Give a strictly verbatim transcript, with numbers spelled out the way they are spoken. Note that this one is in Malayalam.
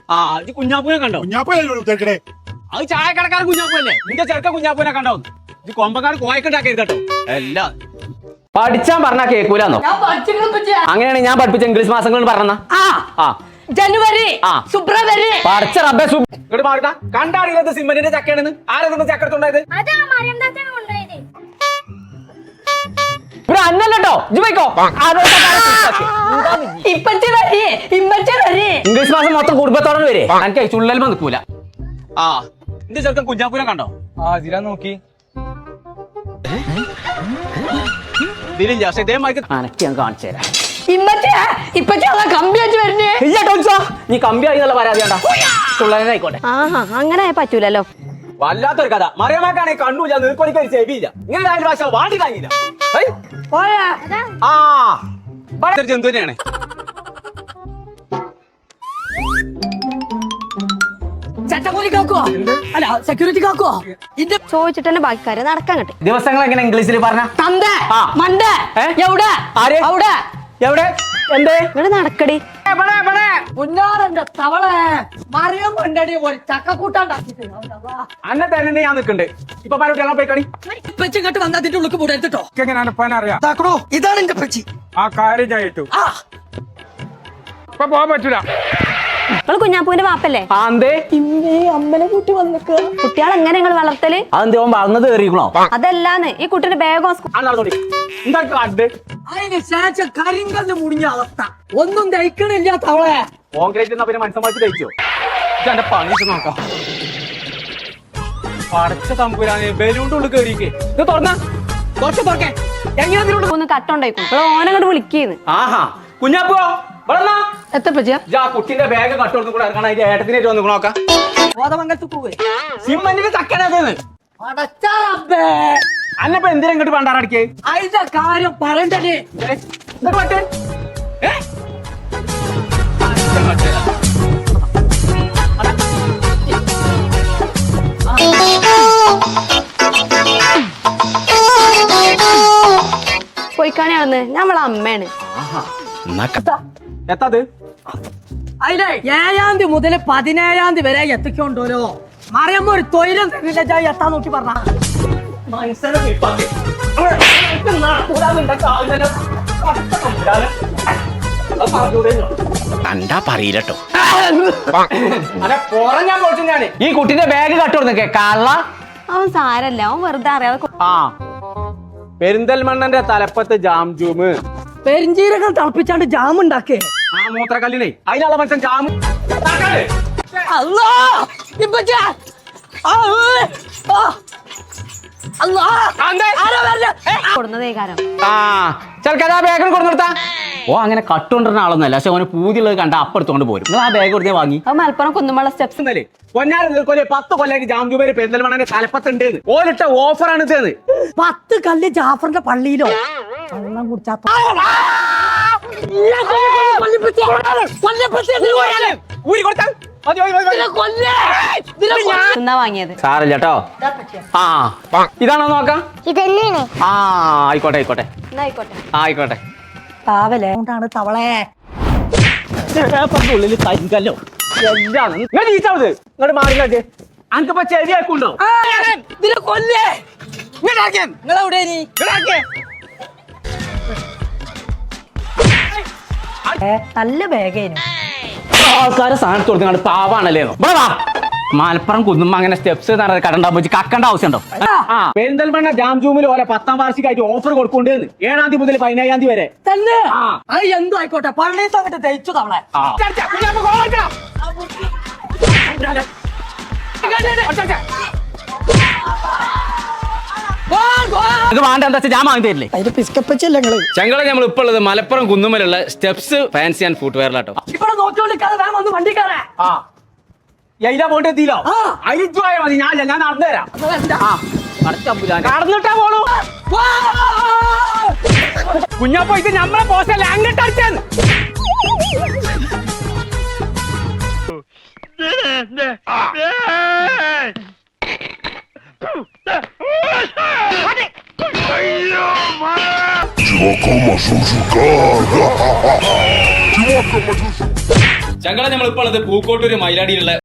ആ ഇത് കുഞ്ഞാപ്പൂനെ കണ്ടോ? കുഞ്ഞാപ്പൂനെ അത് ചായക്കടക്കാരൻ കുഞ്ഞാപ്പൂല്ലേ? നിന്റെ ചെറുക്ക കുഞ്ഞാപ്പൂനെ കണ്ടോ? ഇത് കൊമ്പക്കാരൻ കോയക്കുണ്ടാക്കരുത് കേട്ടോ. എല്ലാം പഠിച്ചാൻ പറഞ്ഞാ കേൾക്കൂലെന്നോ? അങ്ങനെയാണ് ഞാൻ പഠിപ്പിച്ച ഇംഗ്ലീഷ് മാസങ്ങൾ പറഞ്ഞ ജനുവരി ഫെബ്രുവരി പഠിച്ച റബ്ബേ ഇങ്ങോട്ട് മാറിട്ടാ. കണ്ടാടിയത് സിമ്മന്റിന്റെ ചക്കയാണെന്ന്. ആരെന്ന് ചക്കെടുത്തുണ്ടായത്? ഇവിടെ അന്നല്ലോ ജിക്കോ ഇംഗ്ലീഷ് മാസം മൊത്തം കുടുംബത്തോടെ വരെ എനിക്ക് ചുള്ളൽ നിൽക്കൂല. ആ നിന്റെ ചെറുക്കൻ കുഞ്ഞാപ്പൂനെ കണ്ടോ? ആ ഇതിലാ നോക്കി ഇതിലില്ല. പക്ഷെ ഇതേമാതിരി അനക്ക് ഞാൻ കാണിച്ചു തരാം. നീ കമ്പിയായി എന്നുള്ള പരാതി വേണ്ട. ചുള്ളനായിക്കോട്ടെ. അങ്ങനെ പറ്റൂലല്ലോ. വല്ലാത്തൊരു കഥ. മറിയമാക്കാണെ കണ്ണൂല്ല, നീർക്കൊലിക്ക് ഒരു ചെവിയില്ല. ഇങ്ങനെ ആയാലും ഭാഷ വാണ്ടി കഴിഞ്ഞില്ല. ആ ജന്തു തന്നെയാണ്. ചോദിച്ചിട്ട് തന്നെ ബാക്കിക്കാര് നടക്കാൻ കിട്ടും. ദിവസങ്ങൾ എങ്ങനെ ഇംഗ്ലീഷിൽ പറഞ്ഞ എവിടെ എവിടെ എന്തേ ഇവിടെ നടക്കടി. കുഞ്ഞാറന്റെ തവളെ മറിയം കൊണ്ടടി ഒരു ചക്കക്കൂട്ടാണ്ടാക്കിട്ട് അന്നെ തന്നെ ഞാൻ നിൽക്കണ്ട്. ഇപ്പൊ പല പോയിക്കണി ഇങ്ങോട്ട് വന്ന് അതിന്റെ ഉള്ളിൽ കൂടെടുത്തിട്ടോ. അറിയാം. ഇതാണ് എന്റെ പച്ചി. ആ കാര്യം ഞാൻ ഏറ്റു. ഇപ്പൊ പോകാൻ പറ്റൂല. നിങ്ങള് കുഞ്ഞാപ്പൂവിന്റെ വാപ്പല്ലേ? അമ്മനെ കൂട്ടി വന്നിക്ക. കുട്ടികളെ എങ്ങനെ നിങ്ങൾ വളർത്തല്? അതെന്തോ വളർന്നത് കയറിക്കണോ? അതല്ലാന്ന് ഈ കുട്ടിയുടെ ബാഗോ അതിന് ശേഷം കരിങ്കല്ല് മുടിഞ്ഞ അവസ്ഥ. ഒന്നും ദഹിക്കണില്ല തവളെ. കോൺക്രീറ്റ് എന്നാ പിന്നെ മനസ്സമാക്കി ദഹിച്ചോ? ഇതെന്റെ പണി നോക്കാം. പടച്ച തമ്പുരാനെ ബലൂണിന്റെ ഉള്ളിൽ കയറിക്കേ. ഇത് തുറന്ന കുറച്ച് തുറക്കേ. എങ്ങനെ ഒന്ന് കട്ടുണ്ടായിക്കും. ഓനങ്ങോട്ട് വിളിക്കുന്നു. ആഹാ കുഞ്ഞാപ്പോ എത്തപ്പച്ചിയാ കുട്ടിന്റെ ബാഗ് കട്ടുകൊടുത്തു കൂടെ ഇറങ്ങണം. അതിന്റെ ഏട്ടത്തിനേറ്റ് വന്നു നോക്കാം. ബോധമംഗലത്ത് പോവേ സിമ്മന്റിന്റെ ചക്കനത് അടച്ചാറബ്ബേ. അന്നപ്പോ എന്തിനാ ഇങ്ങോട്ട് പണ്ടാറടിക്കേ? അതിന്റെ കാര്യം പറയണ്ടേ. പോയിക്കാണെയാണെന്ന് നമ്മളെ അമ്മയാണ്. എത്താത് അതിലെ ഏഴാം തീയതി മുതൽ പതിനേഴാം തീയതി വരെ എത്തിക്കൊണ്ടോലോ. മറിയമ്മ ഒരു തൊഴിലും എത്താൻ നോക്കി പറഞ്ഞ കണ്ടാ പറയില്ലട്ടോ. ഞാൻ പോച്ചു ഞാന്. ഈ കുട്ടിന്റെ ബാഗ് കട്ടുകൊടുത്തേ കള്ള. അവൻ സാരല്ല, അവൻ വെറുതെ അറിയാതെ. ആ പെരിന്തൽമണ്ണന്റെ തലപ്പത്ത് ജാം ജൂമ് പെരിഞ്ചീരകം തിളപ്പിച്ചാണ്ട് ജാം ഉണ്ടാക്കേ. ആ മൂത്രക്കല്ലിനെ അതിനുള്ള മനുഷ്യൻ ജാം കൊടുന്നതേ കാരം. ആ ചെറുക്കാ ബാഗ് കൊടുത്തു നിർത്താ. ഓ അങ്ങനെ കട്ടുകൊണ്ടിരുന്ന ആളൊന്നല്ല. പക്ഷെ അവന് പൂതിയുള്ളത് കണ്ട അപ്പെടുത്തോണ്ട് പോരും. നിങ്ങൾ ആ ബാഗ് കൊടുത്തേ വാങ്ങി. അത് മലപ്പുറം കുന്നുമള്ള സ്റ്റെപ്സ് ഇന്നലെ പൊന്നാരം നിൽക്കൊല്ലേ പത്ത് കൊല്ലായിട്ട് ജാം ജൂമേര് പെരിന്തൽമണ്ണന്റെ തലപ്പത്തുണ്ട്. ഓരിട്ട ഓഫറാണ് ഇതെന്ന്. പത്ത് കല്ല് ജാഫറിന്റെ പള്ളിയിലോ വെള്ളം കുടിച്ചാ എന്നാ വാങ്ങിയത്. സാറില്ലട്ടോ. ആ ഇതാണോ നോക്കാം. ആ ആയിക്കോട്ടെ ആയിക്കോട്ടെ എന്നാ ആയിക്കോട്ടെ. ആയിക്കോട്ടെ. പാവലേ കൊണ്ടാണ് തവളെ ഉള്ളിൽ കരിങ്കല്ലോ എല്ലാം ഇങ്ങോട്ട് മാറിക്കാട്ട്. അനക്കിപ്പോ ചെവിയാക്കുണ്ടോ? ഇതിനെ കൊല്ലേ. നിങ്ങളെവിടെ നല്ല ബാഗേനു. ആൾക്കാരെ സാധനത്ത് കൊടുത്തു പാവാണല്ലേ. മലപ്പുറം കുന്നുമ്പോ അങ്ങനെ സ്റ്റെപ്സ് കടണ്ടാകുമ്പോ കക്കണ്ട ആവശ്യമുണ്ടോ? പെരിന്തൽമണ്ണ ജാം ജൂമിൽ ഓരോ പത്താം വാർഷികമായിട്ട് ഓഫർ കൊടുക്കൊണ്ടേന്ന്. ഏഴാം തീയതി മുതൽ പതിനേഴാം തീയതി വരെ തന്നെ. അത് എന്തോ ആയിക്കോട്ടെ. പള്ളിയിൽ അങ്ങോട്ട് ദഹിച്ചു തവളെ. വേണ്ട എന്താ വെച്ചാൽ ഞാൻ വാങ്ങി തരില്ലേ. അതിന്റെ പിസ്കപ്പച്ചല്ലേ നിങ്ങള്. ചെങ്കള നമ്മൾ ഇപ്പൊ ഉള്ളത് മലപ്പുറം കുന്നുമലുള്ള സ്റ്റെപ്സ് ഫാൻസി ആൻഡ് ഫുട് വെയറിലാട്ടോ. ഇവിടെ നോക്കിക്കൊണ്ടിരിക്കാതെ വേഗം ഒന്ന് വണ്ടി കയറേ. ആ എയിലാ പോയിട്ട് എത്തിയില്ലോ. അയിച്ചുപോയാ മതി. ഞാൻ ഞാൻ നടന്നു തരാം. കടന്നിട്ടാ പോണു. കുഞ്ഞാപ്പോ ഇത് നമ്മളെ പോസ്റ്റല്ല അങ്ങോട്ട് അടിച്ചത്. Чувака, мажу жука. Чувака, мажу жука. ചങ്കള നമ്മളിപ്പോൾ ഉള്ളത് പൂക്കോട്ടൂര് മയിലാടിയിലുള്ള